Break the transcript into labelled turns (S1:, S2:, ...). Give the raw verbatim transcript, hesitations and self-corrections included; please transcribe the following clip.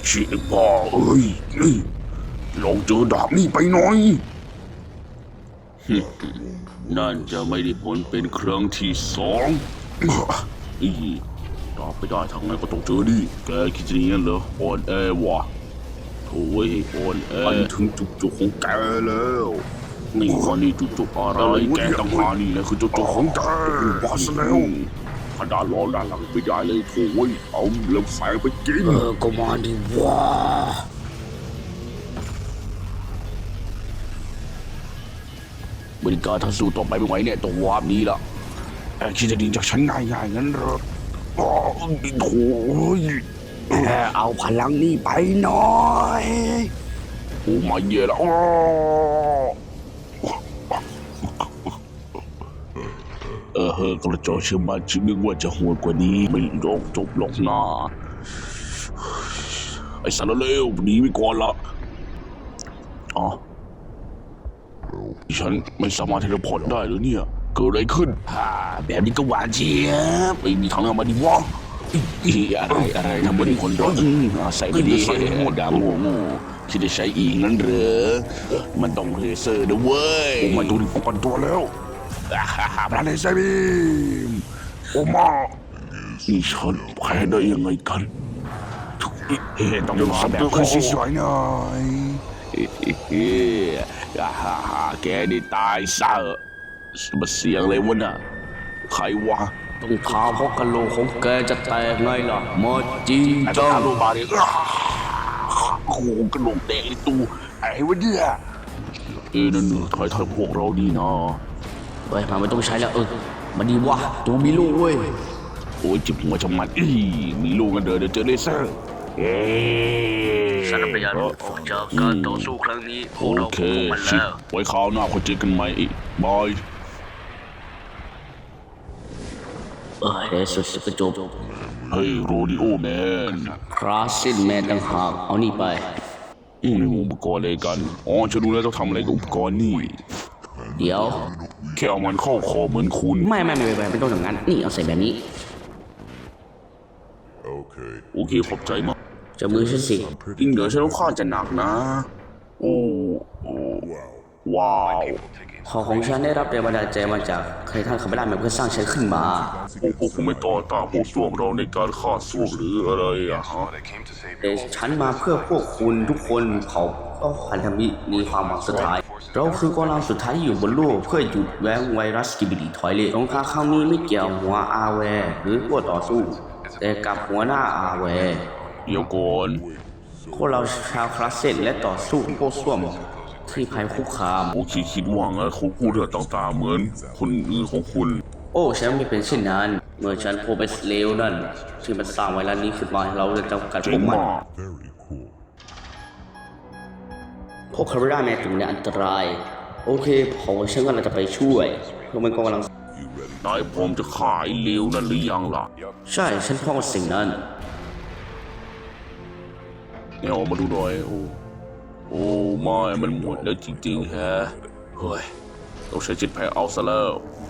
S1: ชิบ้าเอ้ยนี่ลองเจอดาบนี่ไปหน่อยนั่นจะไม่ได้ผลเป็นครั้งที่สองอีตอบไม่ได้ทางไงก็ต้องเจอดิแกคิดจะอย่างนั้นเหรออ่อนแอวะโถ่เว้ยอ่อนแอมันถึงจุดจบของแกแล้วนี่คนนี้จุดจบอะไรแกต้องหานี่แหละคือจุดจบของแกบอสแล้วขนาดรอด้านหลังไม่ได้เลยโถ่เว้ยเอาเล็บแสงไปกินเออก็มาดิวะบริการถ้าสู้ต่อไปไม่ไหวเนี่ยต้องวาร์ปนี้ละแอบคิดจะดีจากฉันง่ายๆงั้นเหรออ๋อโถ่แค่เอาพลังนี้ไปหน่อยโอ้มาเย่ละเออเฮ้กระจอกเชื่อมันฉันนึกว่าจะโหดกว่านี้ไม่ยอมจบหรอกนะไอ้สารเลวหนีไปก่อนละอ๋อฉันไม่สามารถเทเลพอร์ตได้หรือเนี่ยเกิดอะไรขึ้นฮ่าแบบนี้ก็หวานเจี๊ยบไม่มีทางเอามาดิวะอะไรอะไรทำบริคนร้อนใส่ไม่ดีดาโง่โง่คิดจะใช้อีกงั้นเหรอมันต้องเลเซอร์นะเว้ยโอ้มาดูดิป้องกันตัวแล้วพลังเลเซอร์บีมโอ้มานี่ฉันแพ้ได้ยังไงกันเฮ้ต้องมาแบบสวยๆหน่อยเฮ้ฮ่าฮ่าแกได้ตายซะมาเสียงเลยวะน่ะใครวะ
S2: ต้องท้าเพราะกะโหลกของแกจะแตกไงล่ะมอจีจ้า
S1: โลบาเรียโอ้โหกระโหลกแดงเลยตูไอ้วะเนี่ยเออนั่นถอยถอยพวกเราดีนะ
S2: เฮ้ยมาไม่ต้องใช้แล้วเออมันดีวะตัวมีลูกเว้ย
S1: โอ้ยจิบหัวชะมัดอีมีลูกกันเดินเดี๋ยวเจอเลเซอร์เอ๊
S2: สนับสนุนออกจากการต่อสู้ครั้งนี้พวกเราพบมันแล้ว
S1: ไว้คราวหน้าคนเจอกันใหม่อีกบาย
S2: เออเดี๋ยวสุดจะจบ
S1: เฮ้ยโรดิโอแมน
S2: คราสซินแมนต่างหากเอานี่ไป
S1: อืมอุปกรณ์อะไรกันอ๋อฉันรู้แล้วต้องทำอะไรกับอุปกรณ์นี่
S2: เดี๋ยว
S1: แค่เอามันเข้าคอเหมือนคุณ
S2: ไม่ไม่ไม่ไม่ไม่ต้องอย่างนั้นนี่เอาใส่แบบนี้
S1: โอเคโอเคขอบใจมาก
S2: จะมือฉันสิ
S1: ยิ่งเดี๋ยวฉันต้องข้าจะหนักนะโอ้โอ้ว้าว
S2: ขอของฉันได้รับแรงบันดาลใจมาจากใครท่านขับไม่ได้มาเพื่อสร้างฉันขึ้นมา
S1: พวกคุณไม่ต่อต้านพวกพวกเราในการฆ่าสู้หรืออะไรอะฮะ
S2: แต่ฉันมาเพื่อพวกคุณทุกคนเขาก็พันธมิตรมีความหวังสุดท้ายเราคือกองกำลังสุดท้ายที่อยู่บนโลกเพื่อหยุดแว้งไวรัสกิบิลิทอยเลตสงครามครั้งนี้ไม่เกี่ยวหัวอาแวร์หรือพวกต่อสู้แต่กับหัวหน้าอาแวร์
S1: เดี๋ยวก่อน
S2: พวกเราชาวคลาสเซนและต่อสู้พวกส้วมที่ภัยคุกคาม
S1: โอเคคิดว่าไงเขาพูดเรื่องต่างๆเหมือนคนอื่นของคุณ
S2: โอ้ฉันไม่เป็นเช่นนั้นเมื่อฉันพบไอ้เลวนั่นที่มันสร้างไวรัสนี้ขึ้นมาเราจะจำกัดพวกมันพวกคาร์บอนแมนถึงในอันตรายโอเคผมฉันก็จะไปช่วยเพราะมันกำลัง
S1: นายพร้อมจะขายเลวนั่นหรือยังล่ะ
S2: ใช่ฉันพร้อมสิ่งนั้น
S1: เนี่ยออกมาดูหน่อยโอ้โอ้ไม่มันหมดแล้วจริงๆฮะเฮ้ยต้องใช้จิตแพ้เอาซะแล้ว